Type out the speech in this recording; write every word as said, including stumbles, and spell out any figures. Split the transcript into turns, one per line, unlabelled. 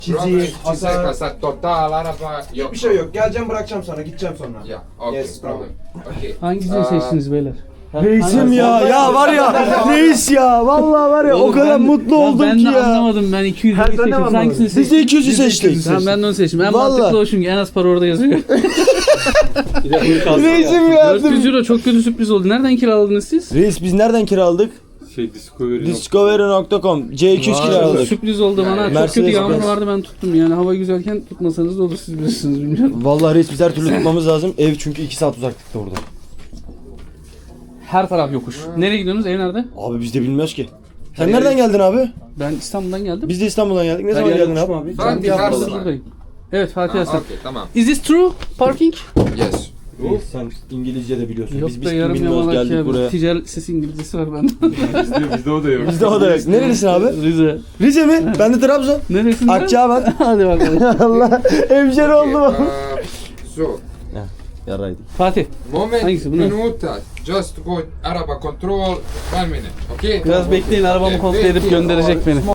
Çizik, hasar.
Hasar total araba yok.
Hiçbir şey yok. Geleceğim bırakacağım sana. Gideceğim sonra.
Ya, okay,
Yes,
problem. Okay.
Hangisini
Aa,
seçtiniz beyler?
Reisim ya ya var ya reis ya vallahi var ya o kadar mutlu oldum
ben
ki
de
ya.
anlamadım ben iki yüzü
Ha, sen de
seçtim.
anlamadın.
Hangisini
Biz de
seçtin?
iki yüzü seçtik.
Tamam ben de onu seçtim. En
Vallahi.
mantıklı o çünkü en az para orada yazıyor.
Reisim ya.
dört yüz euro çok kötü sürpriz oldu. Nereden kiraladınız siz?
Reis biz nereden kiraladık?
Şey Discovery.
Discovery nokta com C iki yüz
Vay,
kiraladık.
sürpriz oldu bana. Çok
Mercedes
kötü yağmur
Benz.
vardı ben tuttum yani. Hava güzelken tutmasanız da olur siz bilirsiniz bilmiyorum.
Vallahi reis biz her türlü tutmamız lazım. Ev çünkü iki saat uzaklıkta orada.
Her taraf yokuş. Nereye gidiyorsunuz? Ev nerede?
Abi biz de bilmiyoruz ki. Sen nereden geldin abi?
Ben İstanbul'dan geldim.
Biz de İstanbul'dan geldik. Ne
Her
zaman
yer
geldin
yokuş
abi?
mu
Ben
Ben
bir
bir haftadır
hafta-
buradayım. Evet Fatih
Ha,
Aslan.
okay, tamam.
Is this true? Parking?
Yes.
Reis sen İngilizce de biliyorsun.
Yok
biz
be
biz
yarım
bilmiyoruz
yamalak
geldik
ya.
buraya.
Ticaret lisesi İngilizcesi var bende.
Bizde, bizde o da yok.
Bizde o da yok. Nerelisin abi?
Rize.
Rize mi? Ben de Trabzon.
Neresinden?
Akçaabat.
Hadi bakalım.
Allah hemşeri
Okay,
oldum.
uh, so,
Yaraydı.
Fatih.
moment,
Hangisi, bu ne?
minuta. Just go araba control. One minute. Okay?
Biraz bekleyin arabamı kontrol edip gönderecek beni.